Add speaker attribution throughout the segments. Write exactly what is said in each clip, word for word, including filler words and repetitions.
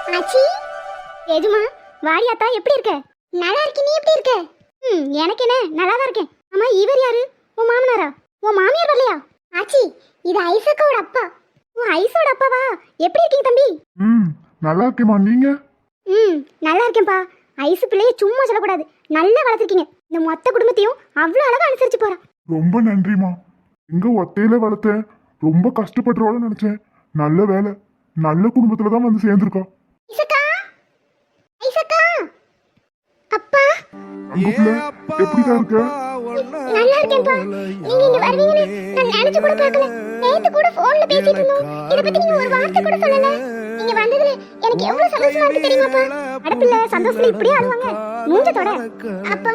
Speaker 1: ஆச்சி ஏஜுமா வாரியாத்தா எப்படி இருக்க? நல்லா இருக்கேன். நீ எப்படி இருக்க? ம் எனக்கு என்ன நல்லா தான் இருக்கேன். அம்மா இவர் யாரு? உன் மாமனாரா? உன் மாமியார் வரலையா? ஆச்சி இது ஐசக்கோட அப்பா. உன் ஐசோட அப்பாவா? எப்படி இருக்கீங்க தம்பி?
Speaker 2: ம் நல்லா இருக்கேம்மா. நீங்க?
Speaker 1: ம் நல்லா இருக்கேன்ப்பா. ஐசு பிள்ளைய சும்மா சொல்லக்கூடாது, நல்லா வளர்த்துருக்கீங்க. இந்த மொத்த குடும்பத்தையும் அவ்வளோ அழகா அனுசரிச்சு போறா.
Speaker 2: ரொம்ப நன்றிம்மா. எங்க ஒத்தையில வளர்த்தேன், ரொம்ப கஷ்டப்படுறோன்னு நினைச்சேன். நல்ல வேலை, நல்ல குடும்பத்துல தான் வந்து சேர்ந்துருக்கா.
Speaker 1: ஐசக்கா ஐசக்கா அப்பா
Speaker 2: அங்க பிள்ளை எப்படிதான் இருக்க?
Speaker 1: நல்லா இருக்கேன்ப்பா. நீங்க இங்க வருவீங்கன்னு நான் நினைச்சு கூட பார்க்கல. நேத்து கூட போன்ல பேசிட்டு இருந்தோம். இத பத்தி நீங்க ஒரு வார்த்தை கூட சொல்லல. நீங்க வந்ததுல எனக்கு எவ்வளவு சந்தோஷமா இருக்கு தெரியுமாப்பா? அடப்பில்ல சந்தோஷத்துல இப்படியே ஆடுவாங்க மூஞ்சத்தோட. அப்பா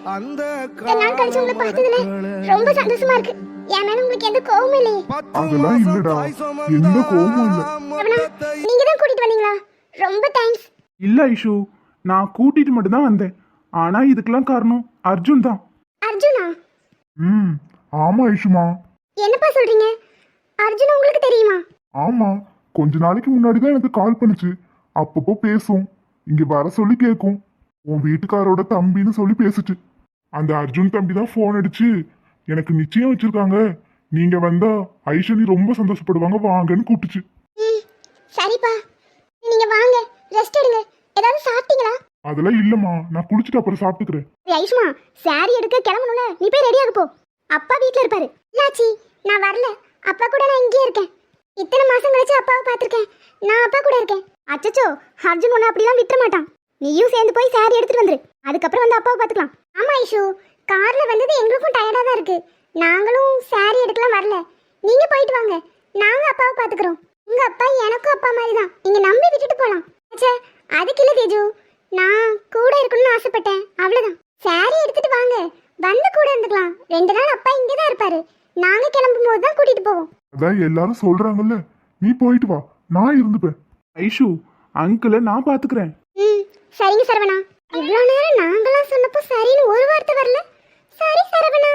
Speaker 1: இந்த நாள் கழிச்சு உங்களை பார்த்ததுல ரொம்ப சந்தோஷமா இருக்கு. என் மேல உங்களுக்கு எந்த கோவமும் இல்லையே?
Speaker 2: அதெல்லாம் இல்லடா, எந்த கோவமும் இல்ல.
Speaker 1: அவனா நீங்க தான் கூட்டிட்டு வந்தீங்களா? ரொம்ப தேங்க்ஸ்.
Speaker 3: இல்ல ஐஷு, நான் கூட்டிட்டு மட்டும் தான் வந்தேன். ஆனா இதுக்கெல்லாம் காரணம் அர்ஜுன் தான்.
Speaker 1: அர்ஜுனா?
Speaker 2: ம் ஆமா ஐஷுமா.
Speaker 1: என்னப்பா சொல்றீங்க? அர்ஜுன் உங்களுக்கு தெரியுமா?
Speaker 2: ஆமா, கொஞ்ச நாளைக்கு முன்னாடி தான் எனக்கு கால் பண்ணுச்சு. அப்பப்போ பேசும், இங்க வர சொல்லி கேட்கும். உன் வீட்டுக்காரோட தம்பின்னு சொல்லி பேசுச்சு. அந்த அர்ஜுன் தம்பி தான் ஃபோன் அடிச்சு எனக்கு நிச்சயம் வச்சிருக்காங்க, நீங்க வந்தா ஐஷனி ரொம்ப சந்தோஷப்படுவாங்க, வாங்கன்னு கூப்பிட்டுச்சு.
Speaker 1: ம் சரிப்பா, நீங்க வாங்க ரெஸ்ட் எடுங்க. ஏதாவது சாப்பிட்டீங்களா?
Speaker 2: அதெல்லாம் இல்லம்மா, நான் குளிச்சுட்டு அப்புறம் சாப்பிட்டுக்கிறேன்.
Speaker 1: ஏய் ஐஷ்மா, சாரி எடுக்க கிளம்பணும்ல, நீ போய் ரெடி ஆகு போ. அப்பா வீட்ல இருப்பாரு. இல்லாச்சி நான் வரல, அப்பா கூட நான் இங்கேயே இருக்கேன். இத்தனை மாசம் கழிச்சு அப்பாவை பார்த்திருக்கேன், நான் அப்பா கூட இருக்கேன். அச்சச்சோ, அர்ஜுன் உன்னை அப்படிலாம் விட்டுற மாட்டான். நீயும் சேர்ந்து போய் சாரி எடுத்துட்டு வந்துரு, அதுக்கப்புறம் வந்து அப்பாவை பார்த்துக்கலாம். ஆமா ஐஷு, கார்ல வந்தது எங்களுக்கும் டயர்டா தான் இருக்கு. நாங்களும் சாரி எடுக்கலாம் வரல. நீங்க போயிட்டு வாங்க, நாங்க அப்பாவை பார்த்துக்கிறோம். உங்க அப்பா எனக்கும் அப்பா மாதிரி தான், நீங்க நம்பி விட்டுட்டு போலாம். அச்சே அதுக்கு இல்ல தேஜு, நான் கூட இருக்கணும்னு ஆசைப்பட்டேன், அவ்வளவுதான். சாரி எடுத்துட்டு வாங்க, வந்து கூட இருந்துக்கலாம். ரெண்டு நாள் அப்பா இங்கே தான் இருப்பாரு, நாங்க கிளம்பும் போது தான் கூட்டிட்டு போவோம்.
Speaker 2: அதான் எல்லாரும் சொல்றாங்கல்ல, நீ போயிட்டு வா, நான் இருந்துப்பேன்.
Speaker 3: ஐஷு, அங்கிளை நான் பாத்துக்கிறேன்.
Speaker 1: ம் சரிங்க சரவணா. இவ்வளோ நேரம் நாங்களாம் சொன்னப்போ சரின்னு ஒரு வார்த்தை வரல. சரி சரவணா,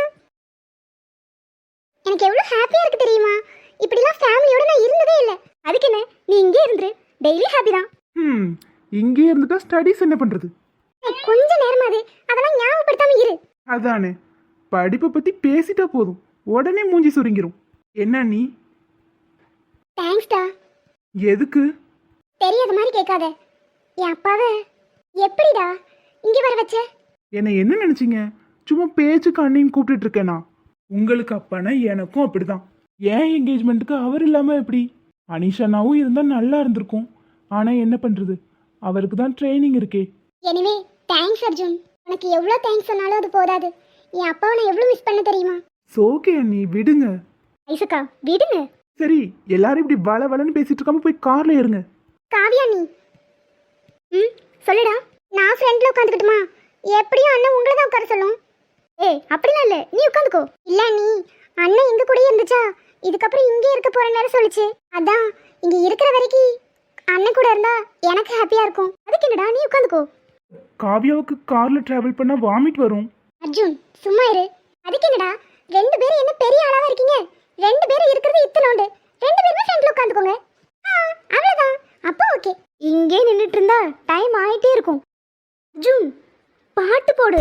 Speaker 1: எனக்கு எவ்வளோ ஹாப்பியா இருக்கு தெரியுமா? இப்படிலாம் ஃபேமிலியோட நான் இருந்ததே இல்லை. அதுக்கு என்ன, நீ இங்கே இருந்துரு, டெய்லி ஹாப்பி தான்.
Speaker 3: ம் இங்கே இருந்துட்டா ஸ்டடீஸ் என்ன பண்றது?
Speaker 1: கொஞ்ச நேரமாது அதெல்லாம் ஞாபகப்படுத்தாம இரு.
Speaker 3: அதானே, படிப்பை பத்தி பேசிட்டா போதும் உடனே மூஞ்சி சுருங்கிரும். என்ன நீ?
Speaker 1: தேங்க்ஸ்டா.
Speaker 3: எதுக்கு?
Speaker 1: தெரியாத மாதிரி கேட்காத. என் அப்பாவை எப்படிடா இங்கே வர வச்ச?
Speaker 3: என்னை என்ன நினைச்சீங்க? சும்மா பேச்சுக்கு அண்ணின்னு கூப்பிட்டுட்டு இருக்கேனா? உங்களுக்கு அப்பானா எனக்கும் அப்படிதான். ஏன் என்கேஜ்மெண்ட்டுக்கு அவர் இல்லாம எப்படி? அனிஷானாவும் இருந்தா நல்லா இருந்திருக்கும். ஆனா என்ன பண்றது, அவருக்கு தான் ட்ரைனிங் இருக்கே.
Speaker 1: Anyway thanks Arjun. உனக்கு எவ்வளோ தேங்க்ஸ் சொன்னாலும் அது போதாது. என் அப்பாவை நான் எவ்வளோ மிஸ் பண்ண தெரியுமா?
Speaker 3: சோகே அண்ணி, விடுங்க.
Speaker 1: ஐசக்கா விடுங்க.
Speaker 3: சரி, எல்லாரும் இப்படி வள வளன்னு பேசிட்டு இருக்காம போய் கார்ல ஏறுங்க.
Speaker 1: காவியா நீ ம் சொல்லுடா. நான் ஃப்ரெண்ட்ல உட்காந்துக்கிட்டுமா? எப்படியும் அண்ணன் உங்களை தான் உட்கார சொல்லும். ஏய் அப்படிலாம் இல்லை, நீ உட்காந்துக்கோ. இல்லை நீ அண்ணன் எங்க கூடயே இருந்துச்சா, இதுக்கப்புறம் இங்கே இருக்க போறேன்னு வேற சொல்லிச்சு. அதான் இங்க இருக்கிற வரைக்கும் அண்ணன் கூட இருந்தா எனக்கு ஹாப்பியா இருக்கும். அதுக்கு என்னடா, நீ உட்காந்துக்கோ.
Speaker 3: காவியாவுக்கு கார்ல டிராவல் பண்ணா வாமிட் வரும்.
Speaker 1: அர்ஜுன் சும்மா இரு. அதுக்கு என்னடா, ரெண்டு பேரும் என்ன பெரிய ஆளாவா இருக்கீங்க? ரெண்டு பேரும் இருக்கிறது இத்தனோண்டு, ரெண்டு பேருமே ஃப்ரெண்ட்ல உட்காந்துக்கோங்க. அவ்வளவுதான். அப்போ ஓகே. இங்கே நின்னுட்டு இருந்தா டைம் ஆயிட்டே இருக்கும். அர்ஜுன் பாட்டு போடு.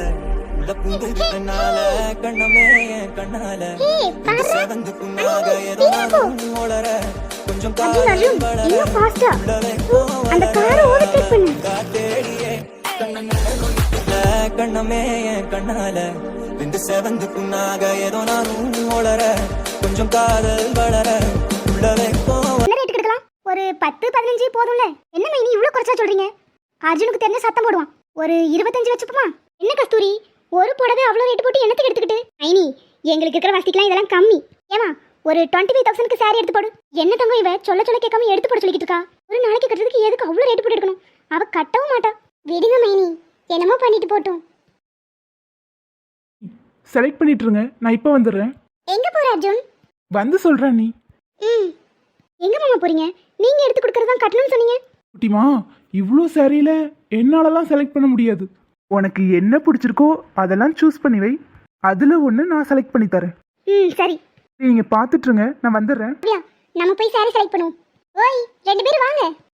Speaker 1: அந்த காரை ஓவர்டேக் பண்ணு.
Speaker 4: கண்ணமே கண்ணால விந்து செவந்து புண்ணாக ஏதோ நானும் ஓளற கொஞ்சம் காதல் வளர உள்ள வைக்கும்.
Speaker 1: என்ன ரேட் எடுக்கலாம்? ஒரு பத்து பதினஞ்சு போதும்ல. என்ன மைனி இவ்வளவு குறைச்சா சொல்றீங்க? அர்ஜுனுக்கு தெரிஞ்ச சத்தம் போடுவான். ஒரு இருபத்தஞ்சு வச்சுப்போமா? என்ன கஸ்தூரி, ஒரு புடவை அவ்வளோ ரேட் போட்டு என்னத்துக்கு எடுத்துக்கிட்டு? மைனி எங்களுக்கு இருக்கிற வசதிக்கெல்லாம் இதெல்லாம் கம்மி. ஏமா ஒரு டுவெண்ட்டி ஃபைவ் தௌசண்ட்க்கு சாரி எடுத்து போடு. என்ன தங்கம் இவ சொல்ல சொல்ல கேட்காம எடுத்து போட சொல்லிக்கிட்டு இருக்கா? ஒரு நாளைக்கு கட்டுறதுக்கு எதுக்கு அவ்வளோ ரேட் போட்டு எடுக்கணும்? அவ கட்டவும் மாட்டா. விடுங்க மைனி, என்னமோ பண்ணிட்டு போட்டும்.
Speaker 3: செலக்ட் பண்ணிட்டு இருங்க, நான் இப்போ வந்துடுறேன்.
Speaker 1: எங்க போற அர்ஜுன்?
Speaker 3: வந்து சொல்றேன் நீ.
Speaker 1: ம் எங்க மாமா போறீங்க? நீங்க எடுத்து கொடுக்கறது தான் கட்டணும்னு சொன்னீங்க.
Speaker 3: குட்டிமா, இவ்வளோ சாரியில என்னாலலாம் செலக்ட் பண்ண முடியாது. உனக்கு என்ன பிடிச்சிருக்கோ அதெல்லாம் சூஸ் பண்ணி வை, அதுல ஒன்று நான் செலக்ட் பண்ணி தரேன்.
Speaker 1: ம் சரி.
Speaker 3: நீங்கள் பார்த்துட்ருங்க, நான் வந்துடுறேன்.
Speaker 1: நம்ம போய் சாரி செலக்ட் பண்ணுவோம். ஓய் ரெண்டு பேரும் வாங்க.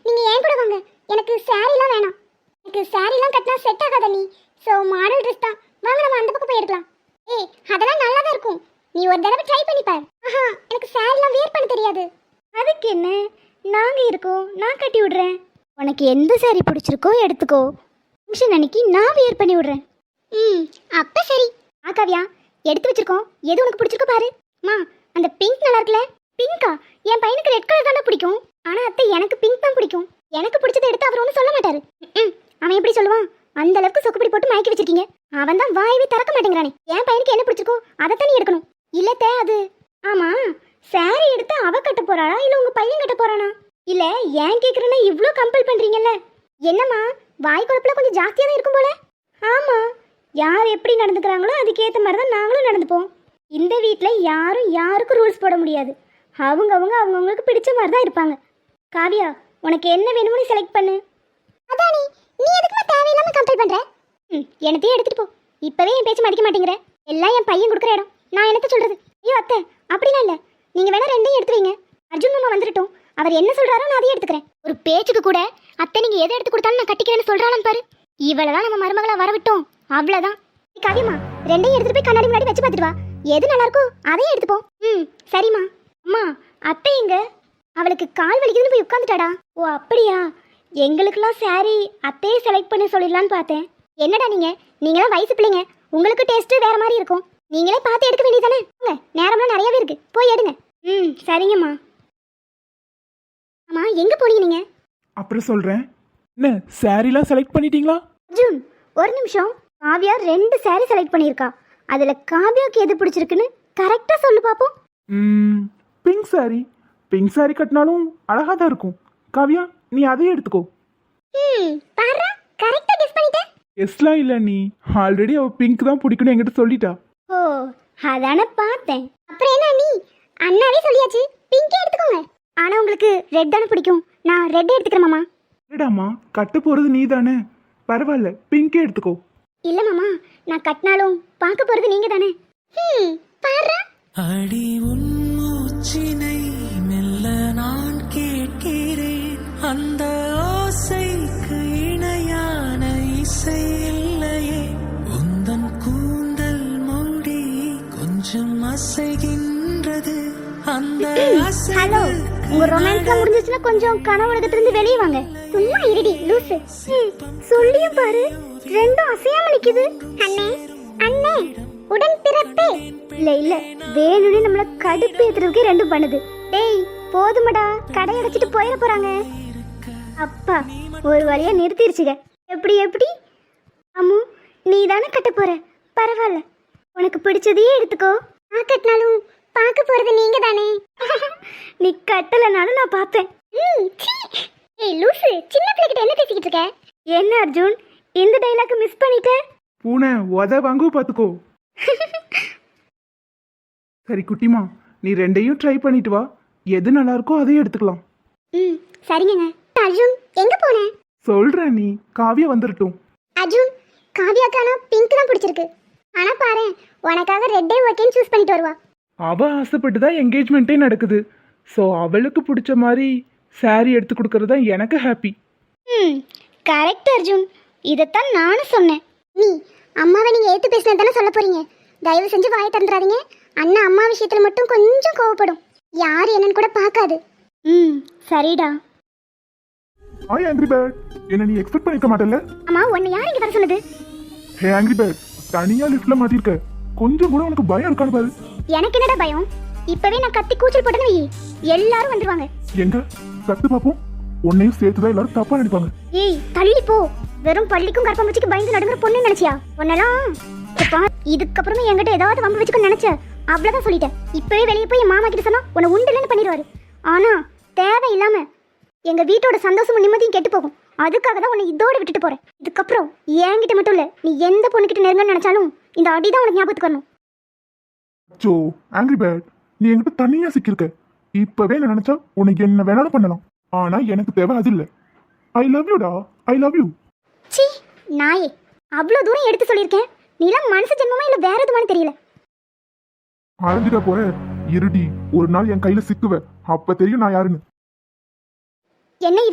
Speaker 1: நீங்க ஏன் கூட வாங்க. எனக்கு சாரிலாம் வேணாம். எனக்கு சாரிலாம் கட்டினா செட் ஆகாத நீ. ஸோ மாடல் ட்ரெஸ் தான். வாங்க நம்ம அந்த பக்கம் போய் எடுக்கலாம். ஏய் அதெல்லாம் நல்லா தான் இருக்கும். நீ ஒரு தடவை ட்ரை பண்ணி பாரு. ஆஹா எனக்கு சாரிலாம் வேர் பண்ண தெரியாது. அதுக்கு என்ன, நாங்க இருக்கோம், நான் கட்டி விடுறேன். உனக்கு எந்த சாரி பிடிச்சிருக்கோ எடுத்துக்கோ. ஃபங்க்ஷன் அன்னைக்கு நான் வேர் பண்ணி விடுறேன். ம் அப்ப சரி. ஆ காவியா, எடுத்து வச்சிருக்கோம், எது உனக்கு பிடிச்சிருக்கோ பாரு. மா அந்த பிங்க் நல்லா இருக்குல்ல? பிங்கா? என் பையனுக்கு ரெட் கலர் தானே பிடிக்கும். ஆனா அத்தை எனக்கு பிங்க் தான் பிடிக்கும். எனக்கு பிடிச்சதை எடுத்து அவர் ஒன்றும் சொல்ல மாட்டாரு. ம் அவன் எப்படி சொல்லுவான்? அந்த அளவுக்கு சொக்குப்பிடி போட்டு மயக்கி வச்சிருக்கீங்க. அவன் தான் வாயவே திறக்க மாட்டேங்கிறானே. என் பையனுக்கு என்ன பிடிச்சிருக்கோ அதை தானே எடுக்கணும். இல்லத்தே அது. ஆமா சாரி எடுத்து அவ கட்ட போறாளா இல்ல உங்க பையன் கட்ட போறானா? இல்ல ஏன் கேக்குறேன்னா இவ்ளோ கம்பல் பண்றீங்கல்ல. என்னம்மா வாய் குழப்புல கொஞ்சம் ஜாஸ்தியா தான் இருக்கும் போல. ஆமா யார் எப்படி நடந்துக்கிறாங்களோ அதுக்கேற்ற மாதிரி தான் நாங்களும் நடந்துப்போம். இந்த வீட்டில் யாரும் யாருக்கும் ரூல்ஸ் போட முடியாது. அவங்கவுங்க அவங்கவுங்களுக்கு பிடிச்ச மாதிரி தான் இருப்பாங்க. காவியா உனக்கு என்ன வேணும்னு செலக்ட் பண்ணு. அதானி நீ எதுக்குமா தேவையில்லாம கம்பல் பண்ற? ம் என்னத்தையும் எடுத்துட்டு போ. இப்பவே என் பேச்சு மதிக்க மாட்டேங்கிற. எல்லாம் என் பையன் கொடுக்குற இடம். நான் என்னத்த சொல்றது? ஐயோ அத்தை அப்படிலாம் இல்லை. நீங்க வேணா ரெண்டையும் எடுத்து வைங்க. அர்ஜுன் மாமா வந்துட்டோம், அவர் என்ன சொல்றாரோ நான் அதையும் எடுத்துக்கிறேன். ஒரு பேச்சுக்கு கூட அத்தை நீங்க எதை எடுத்து கொடுத்தாலும் நான் கட்டிக்கிறேன்னு சொல்றாலும் பாரு. இவளதான் நம்ம மருமகளா வரவிட்டோம். அவ்வளவுதான். காவியம்மா ரெண்டையும் எடுத்துட்டு போய் கண்ணாடி முன்னாடி வச்சு பார்த்துட்டு வா. எது நல்லா இருக்கோ அதையும் எடுத்துப்போம். ம் சரிம்மா. அம்மா அத்தை எங்க? அவளுக்கு கால் வலிக்குதுன்னு போய் உட்காந்துட்டாடா. ஓ அப்படியா? எங்களுக்கெல்லாம் சாரி அத்தையே செலக்ட் பண்ணி சொல்லிடலான்னு பார்த்தேன். என்னடா நீங்க நீங்களாம் வயசு பிள்ளைங்க, உங்களுக்கு டேஸ்ட் வேற மாதிரி இருக்கும். நீங்களே பார்த்து எடுக்க வேண்டியதானே? நேரம்லாம் நிறையவே இருக்கு, போய் எடுங்க. ம் சரிங்கம்மா. அம்மா எங்க போனீங்க நீங்க?
Speaker 3: அப்புறம் சொல்றேன். என்ன சாரிலாம் செலக்ட் பண்ணிட்டீங்களா?
Speaker 1: அர்ஜுன் ஒரு நிமிஷம். காவியா ரெண்டு சாரி செலக்ட் பண்ணியிருக்கா. அதுல காவியாவுக்கு எது பிடிச்சிருக்குன்னு கரெக்டா சொல்லு பாப்போம்.
Speaker 3: ம் பிங்க் சாரி. பிங்க் சாரி கட்டினாலும் அழகா தான் இருக்கும். காவியா நீ அதையே எடுத்துக்கோ.
Speaker 1: ம் பாரு கரெக்ட்டா கெஸ் பண்ணிட்டே.
Speaker 3: எஸ்லாம் இல்லை, நீ ஆல்ரெடி அவள் பிங்க் தான் பிடிக்குன்னு என்கிட்ட சொல்லிட்டா.
Speaker 1: ஓ அதானே பார்த்தேன். அப்புறம் என்ன நீ அண்ணாவே சொல்லியாச்சு, பிங்கே எடுத்துக்கோங்க. ஆனா உங்களுக்கு ரெட் தானே பிடிக்கும். நான் ரெட் எடுத்துக்கிறேன் மாமா.
Speaker 3: இல்லடாமா கட்ட போறது நீ தானே, பரவாயில்ல பிங்கே எடுத்துக்கோ.
Speaker 1: இல்ல மாமா நான் கட்டினாலும் பார்க்க போறது நீங்க தானே. ம் பாரு.
Speaker 4: அடி உன் மூச்சினை மெல்ல நான் கேட்கிறேன். அந்த ஓசைக்கு இணையான இசை இல்லையே. உந்தன் கூந்தல் மூடி கொஞ்சம் அசைகின்றது. அந்த
Speaker 1: ஹலோ உங்க ரொமான்ஸ்லாம் முடிஞ்சிச்சுன்னா கொஞ்சம் கனவு உலகத்திலிருந்து வெளியே வாங்க. சும்மா இருடி லூசு. சொல்லியும் பாரு ரெண்டும் அசையாம நிக்குது. அண்ணே அண்ணே உடன் பிறப்பே. இல்ல இல்ல வேணும்னு நம்மள கடுப்பு ஏத்துறதுக்கு ரெண்டும் பண்ணுது. டேய் போதுமடா, கடை அடைச்சிட்டு போயிட போறாங்க. அப்பா ஒரு வழியா நிறுத்திருச்சுங்க. எப்படி எப்படி அம்மு நீ தானே கட்ட போற, பரவாயில்ல உனக்கு பிடிச்சதையே எடுத்துக்கோ. நான் கட்டினாலும் பார்க்க போறது நீங்க தானே. நீ கட்டலனாலும் நான் பார்ப்பேன். ஏய் லூசு, சின்ன பிள்ளைகிட்ட என்ன பேசிக்கிட்டு இருக்க? என்ன அர்ஜுன் இந்த டைலாக் மிஸ் பண்ணிட்ட?
Speaker 3: பூனை உத வாங்கு பார்த்துக்கோ. சரி குட்டிமா, நீ ரெண்டையும் ட்ரை பண்ணிட்டு வா. எது நல்லா இருக்கோ அதையும் எடுத்துக்கலாம்.
Speaker 1: ம் சரிங்க. அர்ஜுன் எங்க போன?
Speaker 3: சொல்றேன், நீ காவியா வந்துடட்டும்.
Speaker 1: அர்ஜுன் காவியாக்கான பிங்க் தான் பிடிச்சிருக்கு. ஆனா பாரு உனக்காக ரெட்டே ஓகேன்னு சூஸ் பண்ணிட்டு வருவா.
Speaker 3: அவ ஆசைப்பட்டு தான் என்கேஜ்மெண்ட்டே நடக்குது. ஸோ அவளுக்கு பிடிச்ச மாதிரி சாரி எடுத்து கொடுக்கறது தான் எனக்கு ஹாப்பி.
Speaker 1: ம் கரெக்ட் அர்ஜுன், இதைத்தான் நானும் சொன்னேன். நீ அம்மாவை நீங்க ஏத்து பேசினது தானே சொல்ல போறீங்க. தயவு செஞ்சு வாயை திறந்துடாதீங்க. அண்ணா அம்மா விஷயத்துல மட்டும் கொஞ்சம் கோவப்படும். யாரு என்னன்னு கூட பார்க்காது. ம் சரிடா.
Speaker 2: ஹாய் ஆங்கிரி பேர்ட், என்ன நீ எக்ஸ்பெக்ட் பண்ணிக்க மாட்டல?
Speaker 1: அம்மா உன்னை யார் இங்க வர சொன்னது?
Speaker 2: ஹே ஆங்கிரி பேர்ட், தனியா லிஃப்ட்ல மாட்டிருக்க, கொஞ்சம் கூட உனக்கு பயம் இருக்கான்னு பாரு.
Speaker 1: எனக்கு என்னடா பயம்? இப்பவே நான் கத்தி கூச்சல் போட்டேன்னு வை, எல்லாரும் வந்துருவாங்க.
Speaker 2: எங்க சத்து பாப்போம், உன்னையும் சேர்த்துதான் எல்லாரும் தப்பா நினைப்பாங்க.
Speaker 1: ஏய் தள்ளி போ. வெறும் பள்ளிக்கும் கற்பம்பூச்சிக்கு பயந்து நடுங்குற பொண்ணு நினைச்சியா? உன்னெல்லாம் இப்ப இதுக்கப்புறமே என்கிட்ட ஏதாவது வம்பு வச்சுக்க நினைச்ச அவ்வளவுதான் சொல்லிட்டேன். இப்பவே வெளியே போய் என் மாமா கிட்ட சொன்னா உன்னை உண்டுலன்னு பண்ணிடுவாரு. ஆனா தேவையில்லாம எங்க வீட்டோட சந்தோஷமும் நிம்மதியும் கெட்டு போகும். அதுக்காக தான் உன்னை இதோட விட்டுட்டு போறேன். இதுக்கப்புறம் என்கிட்ட மட்டும் இல்ல, நீ எந்த பொண்ணுகிட்ட நெருங்கன்னு நினைச்சாலும் இந்த அடிதான் உனக்கு ஞாபகத்துக்கு வரணும்.
Speaker 2: சோ ஆங்கிரி பேர்ட், நீ என்கிட்ட தனியா சிக்கிருக்க. இப்பவே நான் நினைச்சா உனக்கு என்ன வேணாலும் பண்ணலாம். ஆனா எனக்கு தேவை அது இல்ல. ஐ லவ் யூ டா, ஐ லவ் யூ.
Speaker 1: சி நாயே, அவ்வளவு தூரம் எடுத்து சொல்லியிருக்கேன். நீலாம் மனசு ஜென்மமா இல்ல வேற எதுமானு தெரியல.
Speaker 2: அரைஞ்சிட போற இருடி, ஒரு நாள் என் கையில சிக்குவ, அப்ப தெரியும் நான் யாருன்னு.
Speaker 1: என்ன இவன்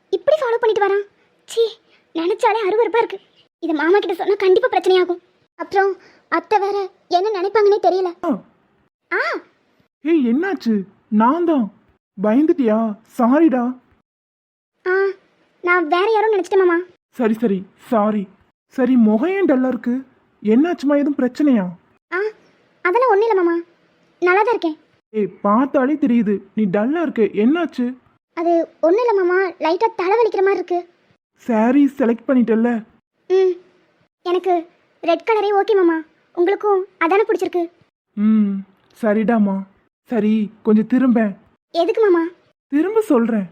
Speaker 1: இப்படி ஃபாலோ பண்ணிட்டு வரான்? சீ, நினைச்சாலே அருவருப்பா இருக்கு. இது மாமா கிட்ட சொன்னா கண்டிப்பா பிரச்சனையாகும். அப்புறம் அத்தை வேற என்ன நினைப்பாங்கன்னே தெரியல.
Speaker 3: ஆ,
Speaker 1: ஆ
Speaker 3: ஏய் என்னாச்சு? நான் தான். பயந்துட்டியா? சாரிடா.
Speaker 1: ஆ நான் வேற யாரும் நினைச்சிட்டேன் மாமா.
Speaker 3: சரி சரி சாரி. சரி, முகம் ஏன் டல்லா இருக்கு? என்னாச்சுமா? எதுவும் பிரச்சனையா?
Speaker 1: ஆ அதெல்லாம் ஒன்றும் இல்லை மாமா, நல்லா தான் இருக்கேன்.
Speaker 3: ஏய், பார்த்தாலே தெரியுது நீ டல்லா இருக்க. என்னாச்சு?
Speaker 1: அது ஒன்றும் இல்லை மாமா, லைட்டாக தலைவலிக்கிற மாதிரி இருக்கு.
Speaker 3: சாரி செலக்ட் பண்ணிட்டல்ல?
Speaker 1: ம் எனக்கு ரெட் கலரே ஓகே மாமா. உங்களுக்கும் அதானே பிடிச்சிருக்கு?
Speaker 3: ம் சரிடாமா. சரி, கொஞ்சம் திரும்ப.
Speaker 1: எதுக்கு மாமா?
Speaker 3: திரும்ப சொல்றேன்.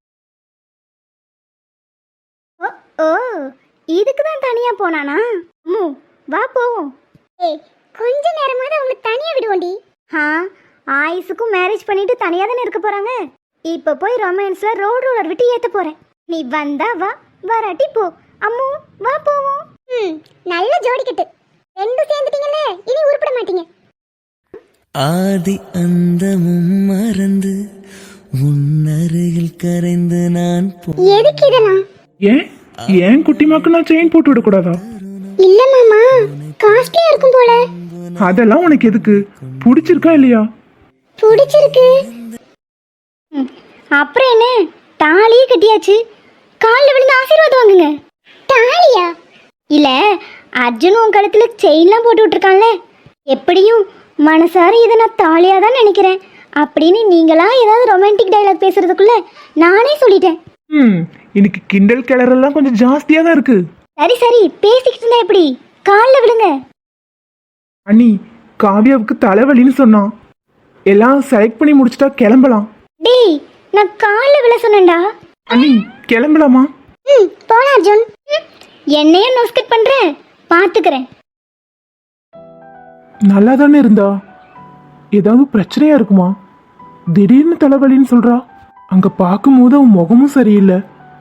Speaker 1: ஓ ஓ இதுக்கு தான் தனியாக போனானா? அம்மு வா போவோம். ஏய் கொஞ்ச நேரமாவது அவங்க தனியாக விடுவோண்டி. ஆ ஆயுசுக்கும் மேரேஜ் பண்ணிட்டு தனியாக தானே இருக்க போகிறாங்க. இப்போ போய் ரொமான்ஸில் ரோடு ரோலர் விட்டு ஏற்ற போகிறேன். நீ வந்தா வா, வராட்டி போ. அம்மு வா போவோம். ம் நல்ல ஜோடிக்கட்டு. ரெண்டும் சேர்ந்துட்டீங்கல்ல, இனி உருப்பட மாட்டீங்க.
Speaker 4: ஆதி அந்தமும் மறந்து உன்னருகில் கரைந்து நான் போ
Speaker 1: எதுக்கு இதெல்லாம்?
Speaker 3: ஏன் ஏன் குட்டிமாக்கு நான் செயின் போட்டு விடக்கூடாதா?
Speaker 1: இல்ல மாமா, காஸ்ட்லியா இருக்கும் போல.
Speaker 3: அதெல்லாம் உனக்கு எதுக்கு? பிடிச்சிருக்கா இல்லையா?
Speaker 1: பிடிச்சிருக்கு. ம், அப்புறம் என்ன, தாலியே கட்டியாச்சு. காலில் விழுந்து ஆசீர்வாதம் வாங்குங்க. தாலியா? இல்ல, அர்ஜுன் உன் கழுத்துல செயின்லாம் போட்டு விட்டுருக்கான்ல, எப்படியும் மனசார இதை நான் தாலியா தான் நினைக்கிறேன் அப்படின்னு நீங்களா ஏதாவது ரொமான்டிக் டைலாக் பேசுறதுக்குள்ள நானே சொல்லிட்டேன்.
Speaker 3: ம் இன்னைக்கு கிண்டல் கிளறெல்லாம் கொஞ்சம் ஜாஸ்தியா தான் இருக்கு.
Speaker 1: சரி சரி, பேசிக்கிட்டு இருந்தா எப்படி? காலில் விடுங்க.
Speaker 3: அண்ணி, காவியாவுக்கு தலைவலின்னு சொன்னான். எல்லாம் செலக்ட் பண்ணி முடிச்சிட்டா கிளம்பலாம்.
Speaker 1: டேய், நான் காலில் விழ சொன்னேன்டா.
Speaker 3: அண்ணி கிளம்பலாமா?
Speaker 1: ம் போலாம் அர்ஜுன். ம், என்னையே நோஸ்கட் பண்ற, பாத்துக்கிறேன்.
Speaker 3: நல்லா தானே இருந்தா. ஏதாவது பிரச்சனையா இருக்குமா? திடீர்னு தலைவலின்னு சொல்றா. அங்க பார்க்கும்போது அவன் முகமும் சரியில்லை.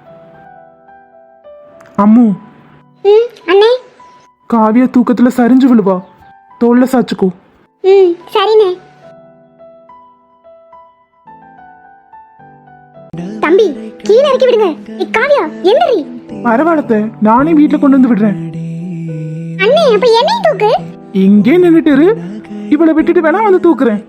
Speaker 3: அம்மு,
Speaker 1: ம் அண்ணே.
Speaker 3: காவியா தூக்கத்துல சரிஞ்சு விழுவா, தோல்ல சாச்சுக்கோ.
Speaker 1: ம் சரிண்ணே. தம்பி கீழே இறக்கி விடுங்க. ஏய் காவியா என்னடி?
Speaker 3: பரவாயில்லத்த, நானே வீட்டுல கொண்டு வந்து விடுறேன்.
Speaker 1: அண்ணே அப்ப என்னையும் தூக்கு.
Speaker 3: இங்கே நின்னுட்டு இரு, இவளை விட்டுட்டு வேணா வந்து தூக்குறேன்.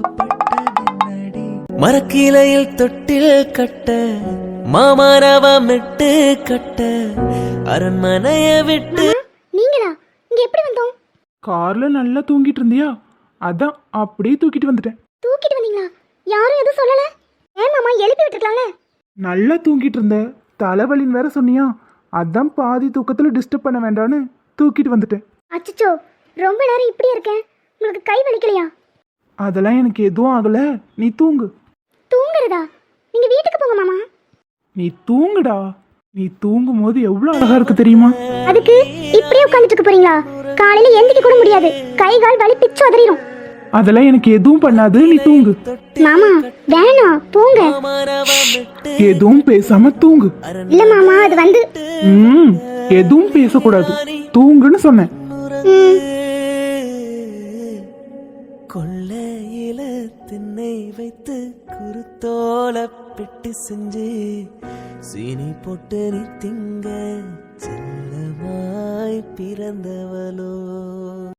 Speaker 4: மரக்கிளையில் தொட்டில் கட்ட மாமரவம் விட்டு கட்ட அரண்மனைய விட்டு.
Speaker 1: நீங்களா? இங்க எப்படி வந்தோம்?
Speaker 3: கார்ல நல்லா தூங்கிட்டு இருந்தியா, அதான் அப்படியே தூக்கிட்டு வந்துட்டேன்.
Speaker 1: தூக்கிட்டு வந்தீங்களா? யாரும் எதுவும் சொல்லல? ஏன் மாமா எழுப்பி விட்டுருக்கலாம்ல?
Speaker 3: நல்லா தூங்கிட்டு இருந்த, தலைவலின்னு வேற சொன்னியா, அதான் பாதி தூக்கத்துல டிஸ்டர்ப் பண்ண வேண்டான்னு தூக்கிட்டு வந்துட்டேன்.
Speaker 1: அச்சச்சோ, ரொம்ப நேரம் இப்படி இருக்கேன். உங்களுக்கு கை வலிக்கலையா?
Speaker 3: அதெல்லாம் எனக்கு எதுவும் ஆகல, நீ தூங்கு.
Speaker 1: தூங்குறதா? நீங்க வீட்டுக்கு போங்க மாமா.
Speaker 3: நீ தூங்குடா. நீ தூங்கும் போது எவ்வளவு அழகா இருக்கு தெரியுமா?
Speaker 1: அதுக்கு இப்படியே உட்காந்துட்டு இருக்க போறீங்களா? காலையில எந்திரிக்க கூட முடியாது, கை கால் வலி பிச்சு உதறிடும்.
Speaker 3: அதெல்லாம் எனக்கு எதுவும் பண்ணாது, நீ தூங்கு.
Speaker 1: மாமா வேணாம், போங்க.
Speaker 3: எதுவும் பேசாம தூங்கு.
Speaker 1: இல்ல மாமா, அது வந்து
Speaker 3: ம் எதுவும் பேசக்கூடாது, தூங்குன்னு சொன்னேன்.
Speaker 1: ம்,
Speaker 4: கொள்ளையில திண்ணை வைத்து குருத்தோல பெட்டி செஞ்சு சீனி போட்டு நீ திங்க செல்லமாய் பிறந்தவளோ.